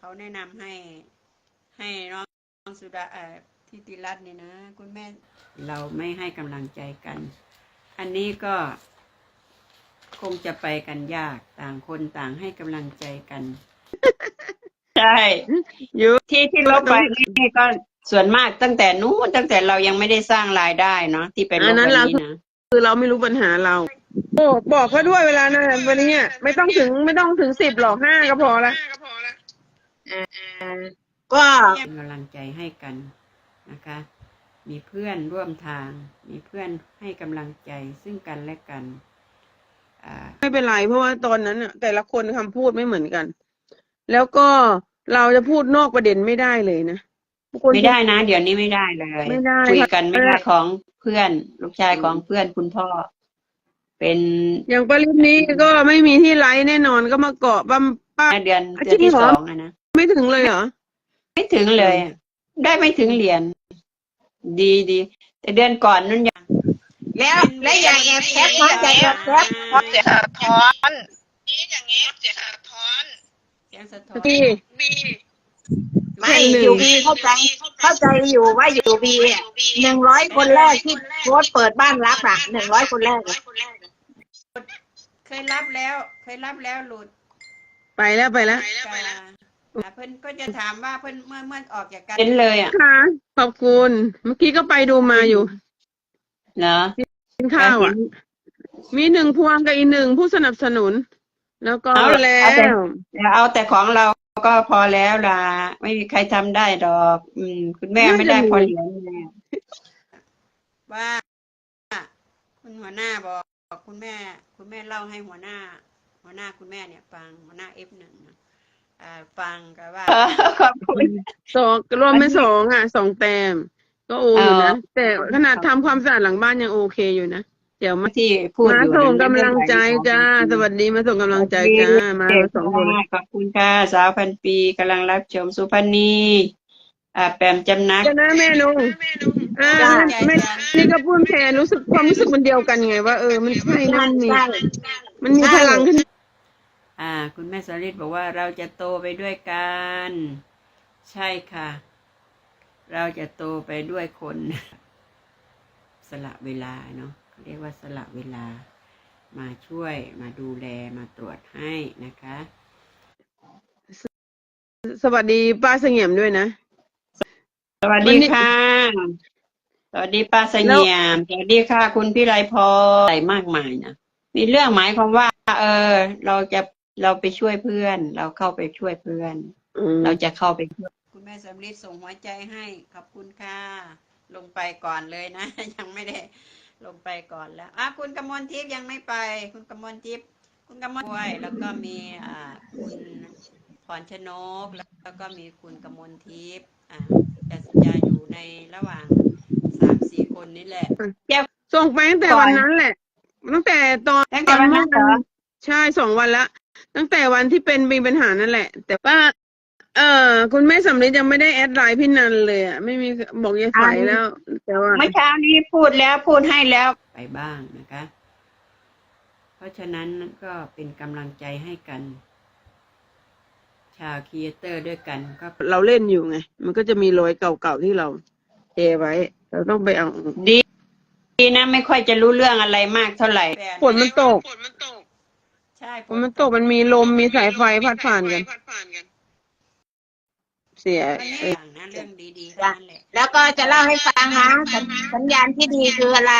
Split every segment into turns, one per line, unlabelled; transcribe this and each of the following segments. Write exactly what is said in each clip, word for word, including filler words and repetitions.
แนะนำให้ให้น้องสุดาเอ่อทิติรัตน์นี่นะคุณแม่เราไม่ให้กำลังใจกัน อันนี้ก็คงจะไปกันยากต่างคนต่างให้กำลังใจกัน ใช่อยู่ที่ที่ลบไปนี่ก็ส่วนมากตั้งแต่นู้นตั้งแต่เรายังไม่ได้สร้างรายได้เนาะที่ไปลบวันนี้นะ
คือเราไม่รู้ปัญหาเราโอ้บอกเขาด้วยเวลานะวันนี้ไม่ต้องถึงไม่ต้องถึงสิบหรอกห้าก็พอละ
ก็เป็นกำลังใจให้กันนะคะ มีเพื่อนร่วมทาง มีเพื่อนให้กำลังใจซึ่งกันและกัน
ไม่เป็นไรเพราะว่าตอนนั้นอะแต่ละคนคำพูดไม่เหมือนกัน แล้วก็เราจะพูดนอกประเด็นไม่ได้เลยนะ
ไม่ได้นะเดี๋ยวนี้ไม่ได้เลย
ไม่ได้
คุยกันไม่ได้ของเพื่อนลูกชายของเพื่อนคุณพ่อเป็น
อย่างปริมนี้ก็ไม่มีที่ไลฟ์แน่นอนก็มาเกาะปั๊มป้า
เดือนเดือนที่สองอะนะ
ไม่ถึงเลยเหรอ
ไม่ถึงเลยได้ไม่ถึงเหรียญดีดีแต่เดือนก่อนนั่นยัง
แล้วและอย่างแอบแคปมาจากแอบแคปพอเสียสะท้อนนี่อย่างเงี้ยเสียสะท้อน
เสียงสะท้อน
บี
บีไม่อยู่บีเข้าใจเข้าใจอยู่ว่าอยู่บีหนึ่งร้อยคนแรกที่โพสเปิดบ้านรับอ่ะหนึ่งร้อยคนแรก
เคยรับแล้วเคยรับแล้วหลุด
ไปแล้วไปแล้ว
เพื่อนก็จะถามว่าเพื่อนเมื่อเมื่อออกจากกันเป็นเลยอ่ะ
ค่ะขอบคุณเมื่อกี้ก็ไปดูมาอยู่
เนาะ
กินข้าวอ่ะมีหนึ่งพวงกับอีกหนึ่งผู้สนับสนุนแล้วก็แล้ว
เอาแต่ของเราก็พอแล้วล่ะไม่มีใครทำได้ดอกอืมคุณแม่ไม่ได้พอเหรียญเลยว่าคุณหัวหน้าบอกคุณแม่คุณแม่เล่าให้หัวหน้าหัวหน้าคุณแม่เนี่ยฟังหัวหน้าเอฟหนึ่งนะอ่าฟังก็ว่าขอบคุณ
สองรวมเป็นสองอ่ะสองแต้มก็โออยู่นะแต่ขนาดทำความสะอาดหลังบ้านยังโอเคอยู่นะเดี๋ยวมา
ที่พูด
มาส่งกำลังใจจ้าสวัสดีมาส่งกำลังใจจ้ามาสองคน
ขอบคุณค่ะสาวพันปีกำลังรับชมสุพรรณีอ่าแปมจำนัก
จะนะแม่ลุงอ่าแม่นี่ก็พูดแทนรู้สึกความรู้สึกมันเดียวกันไงว่าเออมันใช่นั่นนี่มันมีพลังขึ้น
อ่าคุณแม่สริตบอกว่าเราจะโตไปด้วยกันใช่ค่ะเราจะโตไปด้วยคนสละเวลาเนาะเรียกว่าสละเวลามาช่วยมาดูแลมาตรวจให้นะคะ
สวัสดีป้าเสงี่ยมด้วยนะ
สวัสดีค่ะสวัสดีป้าเสงี่ยมสวัสดีค่ะคุณพิไลพรอะไรมากมายนะมีเรื่องหมายความว่าเออเราจะเราไปช่วยเพื่อนเราเข้าไปช่วยเพื่อนเราจะเข้าไปช่วยคุณแม่สำลีส่งหัวใจให้ขอบคุณค่ะลงไปก่อนเลยนะยังไม่ได้ลงไปก่อนแล้วอ่ะคุณกมลทิพย์ยังไม่ไปคุณกมลทิพย์คุณกมลด้วยแล้วก็มีอ่าคุณพรชนกแล้วก็มีคุณกมลทิพย์อ่าจะจะอยู่ในระหว่างสามสี่คนนี้แหละ
ส่งไปตั้งแต่วันนั้นแหละตั้งแต่ตอน
ตั้งแต่วันนั้นเหรอ
ใช่สองวันละตั้งแต่วันที่เป็นมีปัญหานั่นแหละแต่ป้าเออคุณแม่สำลียังไม่ได้แอดไลน์พี่นันเลยอ่ะไม่มีบอกยายใสแล้วแต่ว่า
เมื่อเช้านี้พูดแล้วพูดให้แล้วไปบ้างนะคะเพราะฉะนั้นก็เป็นกำลังใจให้กันชาวครีเอเตอร์ด้วยกันก็
เราเล่นอยู่ไงมันก็จะมีรอยเก่าๆที่เราเทไว้เราต้องไปเอา
ดีดีนะไม่ค่อยจะรู้เรื่องอะไรมากเท่าไหร่
ฝนมันตก
ฝนมันตก
ใช่
ฝนมันตกมันมีลมมีสายไฟพัดผ่านกันเสีย
นะเรื่องดีๆนั่นแหละ
แล้วก็จะเล่าให้ฟังนะสัญญาณที่ดีคืออะไร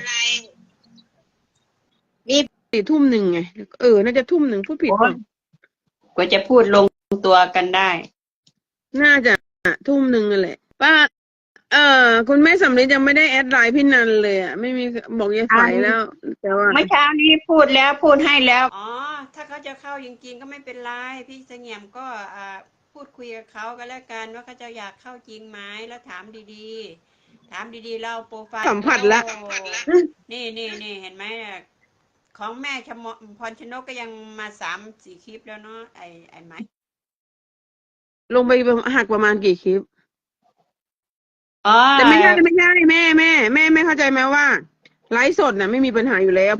มีสี่ทุ่มหนึ่งไงเออน่าจะทุ่มหนึ่งพูดผิดป่ะ
กว่าจะพูดลงตัวกันได้
น่าจะทุ่มหนึ่งนั่นแหละป้าเออคุณแม่สำลียังไม่ได้แอดไลน์พี่นันเลยอ่ะไม่มีบอกยายใสแล้วแต่ว่า
เมื่อเช้านี้พูดแล้วพูดให้แล้วอ๋อถ้าเขาจะเข้าจริงๆก็ไม่เป็นไรพี่เสงี่ยมก็อ่าพูดคุยกับเขาก็แล้วกันว่าเขาจะอยากเข้าจริงไหมแล้วถามดีๆถามดีๆเล่าโปรไฟล์
สัมผัสละ
นี่นี่นี่เห็นไหมของแม่ชมพรชนกก็ยังมาสามสี่คลิปแล้วเนาะไอ้ไอ้ไหม
ลงไปหักประมาณกี่คลิปแต่ไม่ใช่ไม่ใช่แม่แม่แม่แม่เข้าใจไหมว่าไลฟ์สดน่ะไม่มีปัญหาอยู่แล้ว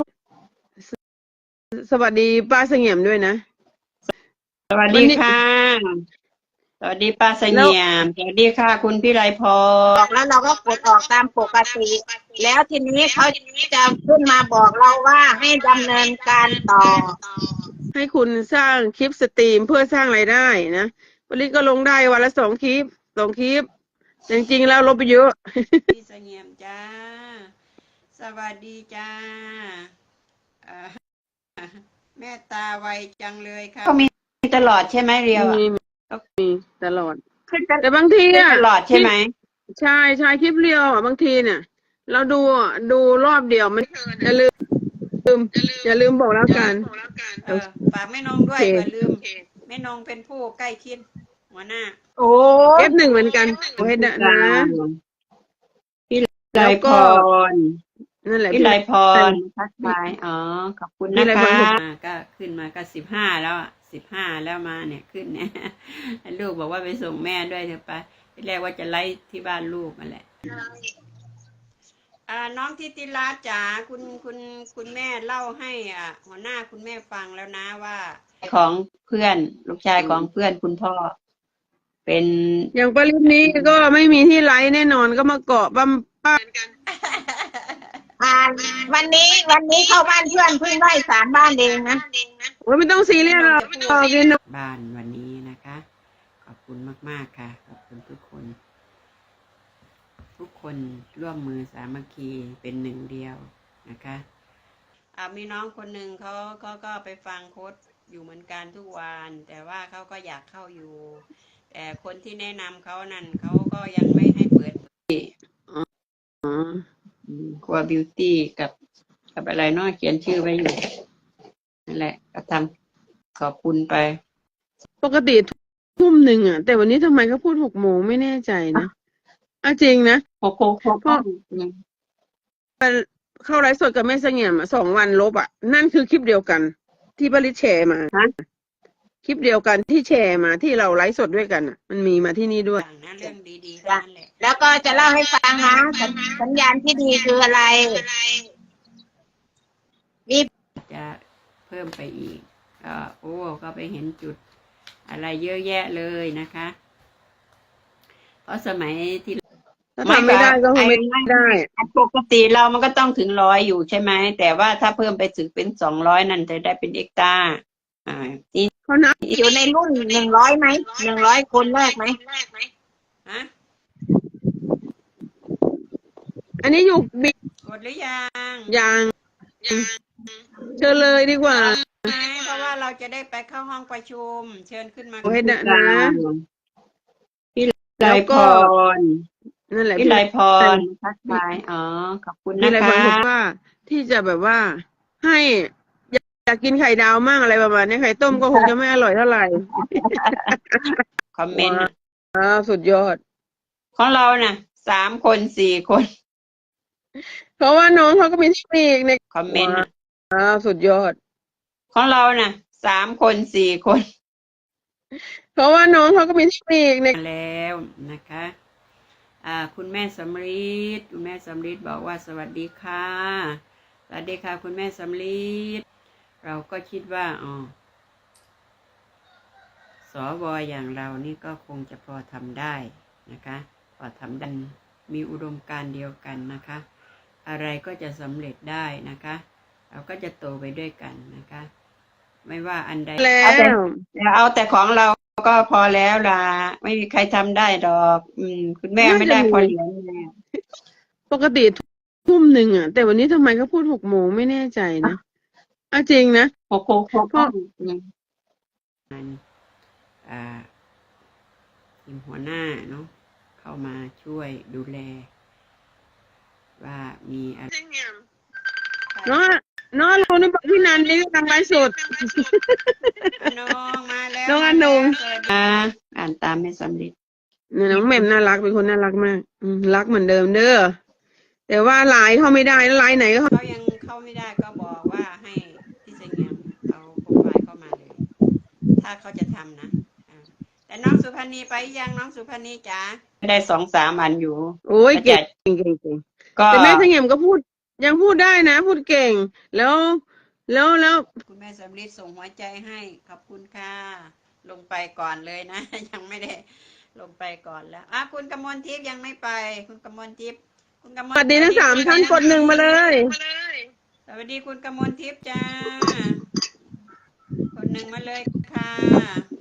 สวัสดีป้าเสงี่ยมด้วยนะ
สวัสดีค่ะสวัสดีป้าเสงี่ยมสวัสดีค่ะคุณพี่ไรพ
อ
ร
อกแล้วเราก็กดออกตามปกติ แล้วทีนี้เขาจะขึ้นมาบอกเราว่าให้ดำเนินการต่อ
ให้คุณสร้างคลิปสตรีมเพื่อสร้างรายได้นะผลิตก็ลงได้วันละสองคลิปสองคลิปแต่จริงๆแล้วลบไปเยอะ
พี่เสงี่ยมจ้าสวัสดีจ้าเอ่อแม่ตาไวจังเลยค่ะก็มีตลอดใช่ไหมเรียวอะ
มีมีตลอด
ขึ้นต
แต่บางที
ขึ้น
อ่ะ
ตลอดใช่ไหม
ใช่ใช่คลิปเรียวอ่ะบางทีเนี่ย เราดูอ่ะดูรอบเดียวมันอย่าลืมลืมอย่าลืมบอกแล้วกัน
เออฝากแม่นงด้วย
โอเค
อย่าลืมแม่นงเป็นผู้ใกล้ชิดหัวหน้า
โอ้
เอฟหนึ่งเหมือนกันโอ้ให้นะนะ
พี่ไร
แล้ว
พ
ก็
ร
นั่นแหละ
พี่ไรพ
ไร
รทักทายอ๋อขอบคุณ
พี่
นะ
ไรพ
คะ
ร
อ่าก็ขึ้นมาก็สิบห้าแล้วอ่ะสิบห้าแล้วมาเนี่ยขึ้นเนี่ยลูกบอกว่าไปส่งแม่ด้วยเถอะไปที่แรกว่าจะไล่ที่บ้านลูกนั่นแหละ อ่าน้องทิติรัตน์จ๋าคุณคุณคุณแม่เล่าให้อ่าหัวหน้าคุณแม่ฟังแล้วนะว่า ของเพื่อนลูกชายของเพื่อนคุณพ่อ เป็น
อย่างปริมนี้ก็ไม่มีที่ไลฟ์แน่นอนก็มาเกาะปั๊มป้า
อ่านวันนี้วันนี้เข้าบ้านเพื่อนเพิ่งได้สามบ้านเองนะ
โอ้ยไม่ต้องซีเรียสหรอกโอเคเนอะ
บ้านวันนี้นะคะ ขอบคุณมากๆค่ะ ขอบคุณทุกคน ทุกคนร่วมมือสามัคคีเป็นหนึ่งเดียวนะคะอ่ามีน้องคนหนึ่งเขาเขาก็ไปฟังโค้ดอยู่เหมือนกันทุกวัน แต่ว่าเขาก็อยากเข้าอยู่ แต่คนที่แนะนำเขานั่นเขาก็ยังไม่ให้เปิด
อ๋อ
ครัวบิวตี้กับกับอะไรเนาะเขียนชื่อไว้อยู่นั่นแหละก็ทำขอบคุณไป
ปกติทุ่มหนึ่งอ่ะ แต่วันนี้ทำไมเขาพูดหกโมงไม่แน่ใจนะอ่ะจริงนะ
โคโค่โคโค่
เข้าไลฟ์สดกับแม่เสงี่ยมอะสองวันลบอ่ะ นั่นคือคลิปเดียวกัน ที่บริษแชร์มา
ฮะ
คลิปเดียวกันที่แชร์มาที่เราไลฟ์สดด้วยกันอ่ะ มันมีมาที่นี่ด้วย
อย่างนั้นเรื่องดีๆทั้งนั้นแหละ
แล้วก็จะเล่าให้ฟังนะสัญสัญญาณที่ดีคืออะไร มี
จะเพิ่มไปอีกก็โอ้ก็ไปเห็นจุดอะไรเยอะแยะเลยนะคะ เพราะสมัยที่
ถ้าทำไม่ได้ก็คงไม่ได้
ปกติเรามันก็ต้องถึงร้อยอยู่ใช่ไหมแต่ว่าถ้าเพิ่มไปถึงเป็นสองร้อยนั่นจะได้เป็นเอ็กตร้าอ่านี่
เขานับ
อยู่ในรุ่นหนึ่งร้อยไหมหนึ่งร้อยคนแรกไหม
ฮะ
อันนี้อยู่บิ๊ก
กดหรือยัง
ยางเชิญเลยดีกว่า
ไหมเพราะว่าเราจะได้ไปเข้าห้องประชุม เชิญขึ้นมา
โอ้ให้นะนะ
พี่ไรพร
นั่นแหละ
พี่ไรพรทักทายอ๋อขอบคุณ
มี
นะ
อะไร
คะ
บางคนว่าที่จะแบบว่า ให้อยากอยากกินไข่ดาวมั่งอะไรประมาณนี้ไข่ต้มก็คงจะไม่อร่อยเท่าไหร่
คอมเมนต์นะ
อ่าสุดยอด
ของเราน่ะสามคนสี่คน
เพราะว่าน้องเขาก็มีเทคนิคใน
คอมเมนต์นะ
อ่าสุดยอด
ของเราน่ะสามคนสี่คน
เพราะว่าน้องเขาก็มีเทคนิคใน
มาแล้วนะคะ อ่า คุณแม่สำลีดคุณแม่สำลีดบอกว่าสวัสดีค่ะ สวัสดีค่ะ คุณแม่สำลีดเราก็คิดว่าอ๋อสวอย่างเรานี่ก็คงจะพอทำได้นะคะ พอทำได้มีอุดมการณ์เดียวกันนะคะ อะไรก็จะสำเร็จได้นะคะ เราก็จะโตไปด้วยกันนะคะ ไม่ว่าอันใด
แล้ว
เอาแต่ของเราก็พอแล้วล่ะไม่มีใครทำได้ดอก อืม คุณแม่ไม่ได้พอเหรียญแม่
ปกติทุ่มหนึ่งอ่ะ แต่วันนี้ทำไมเขาพูดหกโมงไม่แน่ใจนะอ่ะจริงนะ
โคโค่โคโค่อ่าทีมหัวหน้าเนาะเข้ามาช่วยดูแล ว่ามีอะไร
เนาะเนาะเรานี่บอกพี่นันนี่กำลังไลฟ์สด
น้องมาแล้ว
น้องอนง
อ่าอ่านตามไม่สำเร็จ
เนี่ยน้องแหม่มน่ารักเป็นคนน่ารักมากอืมรักเหมือนเดิมเด้อแต่ว่าไลน์เขาไม่ได้ไลน์ไหนก็เขา
เขายังเข้าไม่ได้ก็บอกว่าให้พี่เสงี่ยมเอาโปรไฟล์เข้ามาเลย ถ้าเขาจะทำนะอ่าแต่น้องสุพรรณีไปยังน้องสุพรรณีจ๋าได้สองสามอันอยู่
โอ้ยเก่งเก่งเก่งเก่ง
ก็
แต่แม่เสงี่ยมก็พูดยังพูดได้นะ พูดเก่ง แล้วแล้วแล้ว
คุณแม่สำลีส่งหัวใจให้ขอบคุณค่ะลงไปก่อนเลยนะ ยังไม่ได้ลงไปก่อนแล้วอ่ะคุณกมลทิพย์ยังไม่ไป คุณกมลทิพย์คุณกม
ส
ล
วัสดีทั้งสามท่านกดหนึ่งมาเลย
สวัสดีคุณกมลทิพย์จ้า คนหนึ่งมาเลยค่ะ